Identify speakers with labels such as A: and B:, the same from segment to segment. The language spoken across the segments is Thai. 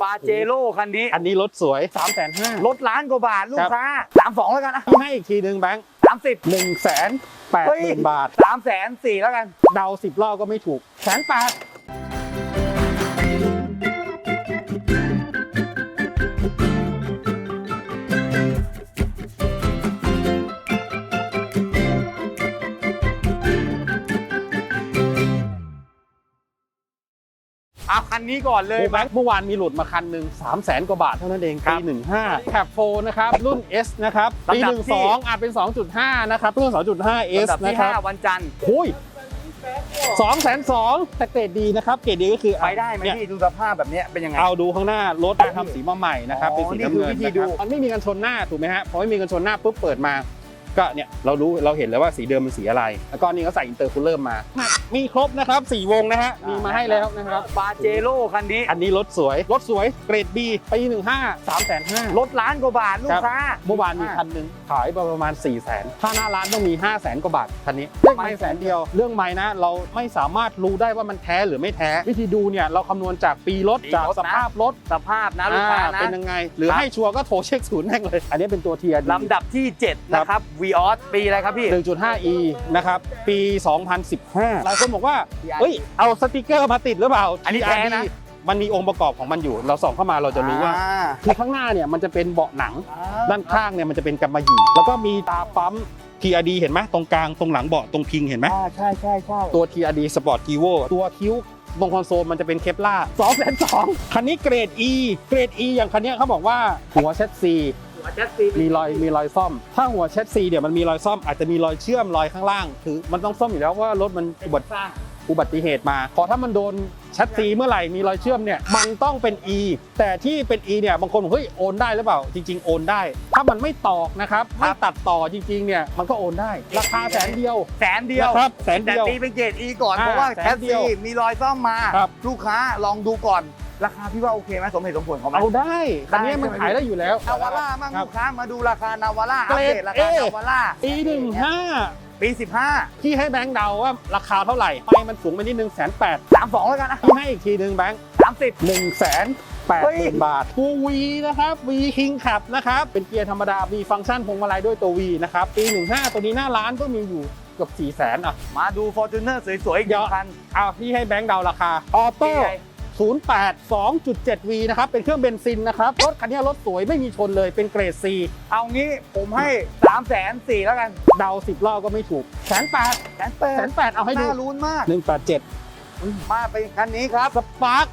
A: ปาเจโร่คันนี้
B: อันนี้รถสวย 350,000
A: รถล้านกว่าบาทลูกค้า32แล้วกันนะ
B: ให้อีกทีหนึ่งแบงค์
A: 30
B: 180,000 บาท
A: 340,000แล้วกัน
B: เดา10 รอบก็ไม่ถูก180,000
A: เอาคันนี้ก่อนเลย
B: แบงค์เมื่อวานมีหลุดมาคันหนึ่ง300,000 กว่าบาทเท่านั้นเองปี15แคปโฟนะครับรุ่น S นะครับปี12อาจเป็น 2.5 นะครับรุ่น 2.5 S นะครับ
A: 5วันจันทร์
B: คุย202,000แต่เกรดดีนะครับเกรดดีก็คือ
A: ไปได้ไหมพี่ดูสภาพแบบนี้เป็นยังไง
B: เอาดูข้างหน้ารถทำสีมาใหม่นะครับเป็นสีน้ำเงินนะครับมันไม่มีกันชนหน้าถูกไหมฮะพอไม่มีกันชนหน้าปุ๊บเปิดมาก็เนี่ยเราเห็นแล้วว่าสีเดิมเป็นสีอะไรแล้วก็นี่เขาใส่อินเตอร์คูลเลอร์มามีครบนะครับ4วงนะฮะมีมาให้แล้วนะครับ
A: ปาเจโร่คันนี้
B: อันนี้รถสวยเกรด B ปี15 350,000
A: รถล้านกว่าบาทลูกค้า
B: เมื่อวานมีคันหนึ่งขายประมาณ 400,000ถ้าหน้าร้านต้องมี 500,000 กว่าบาทคันนี้ไม่แสนเดียวเรื่องไม้นะเราไม่สามารถรู้ได้ว่ามันแท้หรือไม่แท้วิธีดูเนี่ยเราคำนวณจากปีรถจากสภาพรถ
A: สภาพนะลูกค้านะ
B: เป็นยังไงหรือให้ชัวร์ก็โทรเช็คศูนย์แม่งเลยอันนี้เป็นตัวเทียร์
A: ลำดับที่7นะครับ Vios ปีอะไรครับพี่
B: 1.5e นะครับปี 2015หลายคนบอกว่าเฮ้ยเอาสติกเกอร์มาติดหรือเปล่า
A: อันนี้แท้นะ
B: มันมีองค์ประกอบของมันอยู่เราส่องเข้ามาเราจะรู้ว่าคือข้างหน้าเนี่ยมันจะเป็นเบาะหนังด้านข้างเนี่ยมันจะเป็นกำมะหยี่แล้วก็มีตาปั๊ม TRD เห็นไหมตรงกลางตรงหลังเบาะตรงพิงเห็นไหม
A: ใช่
B: ตัว TRD Sport Evo ตัวคิ้วตรงคอนโซลมันจะเป็นเคปล่า202,000คันนี้เกรด E อย่างคันนี้เขาบอกว่าหัวเชสซีมีรอยซ่อมถ้าหัวเชสซีเนี่ยมันมีรอยซ่อมอาจจะมีรอยเชื่อมรอยข้างล่างคือมันต้องซ่อมอยู่แล้วเพราะว่ารถมันอุบัติเหตุมาพอถ้ามันโดนแชสซีเมื่อไหร่มีรอยเชื่อมเนี่ยมันต้องเป็น E แต่ที่เป็น E เนี่ยบางคนบอกเฮ้ยโอนได้หรือเปล่าจริงๆโอนได้ถ้ามันไม่ตอกนะครับไม่ตัดต่อจริงๆเนี่ยมันก็โอนได้ราคา100,000ครับ100,000
A: แต่ตีเป็นเกรด E ก่อนเพราะว่าแคสซีมีรอยซ่อมมาลูกค้าลองดูก่อนราคาพี่ว่าโอเคไหมสมเหตุสมผลของมัน
B: เอาได้คันนี้มันขายได้อยู่แล้ว
A: นาวาร่ามั่งลูกค้ามาดูราคานาวาร่าอัปเดตราคานาวาร่า
B: ปี15
A: ปี15
B: พี่ให้แบงค์เดาว่าราคาเท่าไหร่ไปมันสูงไปนิดนึง180,000
A: 32แล้วกันนะ
B: พี่ให้อีกทีนึงแบงค์
A: 30
B: 180,000 บาทตัว V นะครับ V King Cup นะครับเป็นเกียร์ธรรมดามีฟังก์ชันพวงมาลัยด้วยตัว V นะครับปี15ตัวนี้หน้าร้านก็มีอยู่เกือบ400,000อ่ะ
A: มาดู Fortuner สวยๆอีกคัน
B: พี่ให้แบงค์เดาราคาออโต้08 2.7V นะครับเป็นเครื่องเบนซินนะครับรถคันนี้รถสวยไม่มีชนเลยเป็นเกรด C
A: เอางี้ผมให้340,000แล้วกัน
B: เดา10 รอบก็ไม่ถูก180,000เอาให้ดู
A: น่าลุ้นมาก
B: 187
A: มาไปคันนี้ครับ
B: สปาร์ค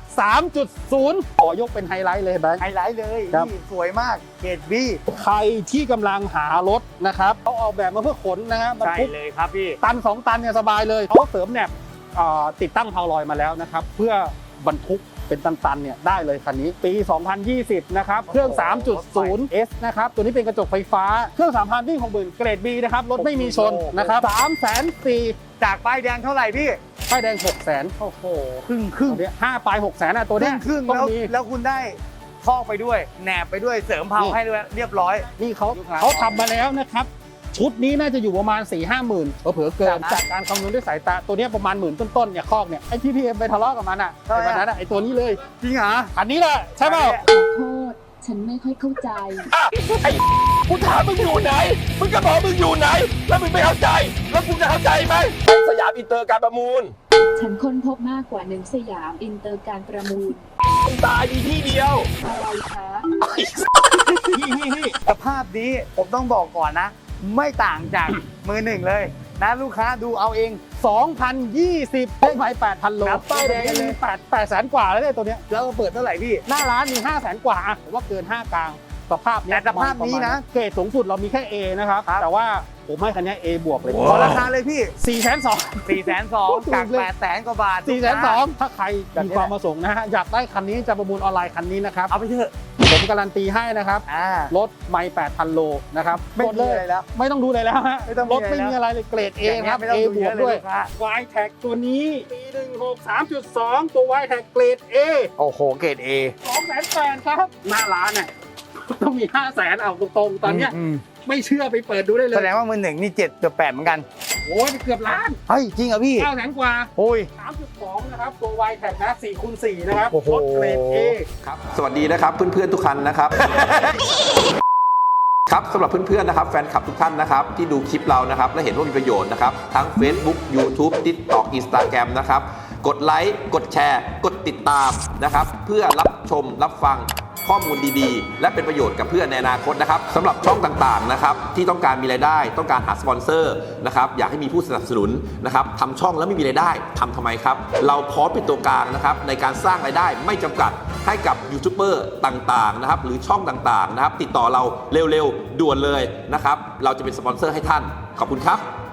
B: 3.0 ขอยกเป็นไฮไลท์เลยแบงค์
A: ไฮไลท์เลยนี่สวยมากเกรด B
B: ใครที่กำลังหารถนะครับเขาออกแบบมาเพื่อขนนะครับ
A: ใช่เลยครับพี่
B: ตัน2 ตันเนี่ยสบายเลยเขาเสริมแหนบติดตั้งพาวลอยมาแล้วนะครับเพื่อบรรทุกเป็นตันๆเนี่ยได้เลยคันนี้ปี 2020 นะครับเครื่อง 3.0 S นะครับตัวนี้เป็นกระจกไฟฟ้าเครื่อง 3,000 วิ่ง 60,000 เกรด B นะครับรถไม่มีชนนะครับ340,000
A: จากป้ายแดงเท่าไหร่พี่
B: ป้ายแดง600,000โอ้โหครึ่งเนี่ย5ปลาย600,000อ่ะตัวเนี้ย
A: ครึ่งแล้วคุณได้คอกไปด้วยแหนบไปด้วยเสริมเพาให้ด้วยเรียบร้อย
B: นี่เขาทำมาแล้วนะครับชุดนี้น่าจะอยู่ประมาณ 4-5 หมื่นเผลอเกินจากการคำนวณด้วยสายตาตัวนี้ประมาณ10,000ต้นๆเนี่ยคอกเนี่ยไอ้ที่พี่เอ็มไปทะเลาะกับมันอ่ะไอ้วันนั้นไอ้ตัวนี้เลย
A: จริงเหรอ
B: อันนี้แหละใช่เปล่า
C: ขอโทษฉันไม่ค่อยเข้าใจ
D: ไอ้กูถามมึงอยู่ไหนมึงก็บอกมึงอยู่ไหนแล้วมึงไม่เข้าใจแล้วกูจะเข้าใจไหมสยามอินเตอร์การประมูล
C: ฉันค้นพบมากกว่า1สยามอินเตอร์การประมูล
D: ตายมีที่เดียว
C: อะไรคะ
A: สภาพนี้ผมต้องบอกก่อนนะไม่ต่างจากมือหนึ่งเลยนะลูกค้าดูเอาเอง
B: 2020เลขไม้ 8,000 โล
A: ป้ายแดงเลย
B: 800,000 กว่าแล้วเนี่ยตัวเนี้ย
A: แล้วเปิดเท่าไหร่พี่
B: หน้าร้านมี 500,000 กว่าผมว่าเกิน5กลางสภาพนี้
A: แต่สภาพนี้นะ
B: เกรดสูงสุดเรามีแค่ A นะครับแต่ว่าผมให้คันนี้ A บวกเลย
A: ขอราคาเลยพี่
B: 420,000
A: จาก800,000 กว่าบาท
B: 420,000ถ้าใครมีความประสงค์นะฮะอยากได้คันนี้จะประมูลออนไลน์คันนี้นะครับ
A: เอาไปเถอะ
B: ผมการันตีให้นะครับรถไม่ 8,000 โลนะครับ
A: ไม่ดูอะไรแล้ว
B: ไม่ต้องดูอะไรแล้วฮะรถไม่มีอะไรเลยเกรด A ครับ A บวกด้วย Y-Tag ตัวนี้ปี16 3.2 ตัว Y-Tag เกรด A
A: โอ้โหเกรด A
B: 280,000ครับหน้าร้านเนี่ยต้องมี500,000เอาตรงๆตอนเนี้ยไม่เชื่อไปเปิดดูได้เลย
A: แสดงว่ามือหนึ่งนี่7-8เหมือนกัน
B: โอ้ยเกือบล้าน
A: เฮ้ยจริงเหรอพี่
B: 900,000 กว่า
A: โอ้ย
B: 3.2 นะครับ ตัว Y Tech นะ4x4 นะครับ
A: โอ้โห
B: รถเกรด A
E: ครับสวัสดีนะครับเพื่อนๆทุกท่านนะครับ ครับสำหรับเพื่อนๆนะครับแฟนคลับทุกท่านนะครับที่ดูคลิปเรานะครับและเห็นว่ามีประโยชน์นะครับทั้ง Facebook YouTube TikTok Instagram นะครับกดไลค์กดแชร์ กดติดตามนะครับเพื่อรับชมรับฟังข้อมูลดีๆ และเป็นประโยชน์กับเพื่อนในอนาคตนะครับสำหรับช่องต่างๆนะครับที่ต้องการมีรายได้ต้องการหาสปอนเซอร์นะครับอยากให้มีผู้สนับสนุนนะครับทำช่องแล้วไม่มีรายได้ทำทำไมครับเราพร้อมเป็นตัวกลางนะครับในการสร้างรายได้ไม่จำกัดให้กับยูทูบเบอร์ต่างๆนะครับหรือช่องต่างๆนะครับติดต่อเราเร็วๆด่วนเลยนะครับเราจะเป็นสปอนเซอร์ให้ท่านขอบคุณครับ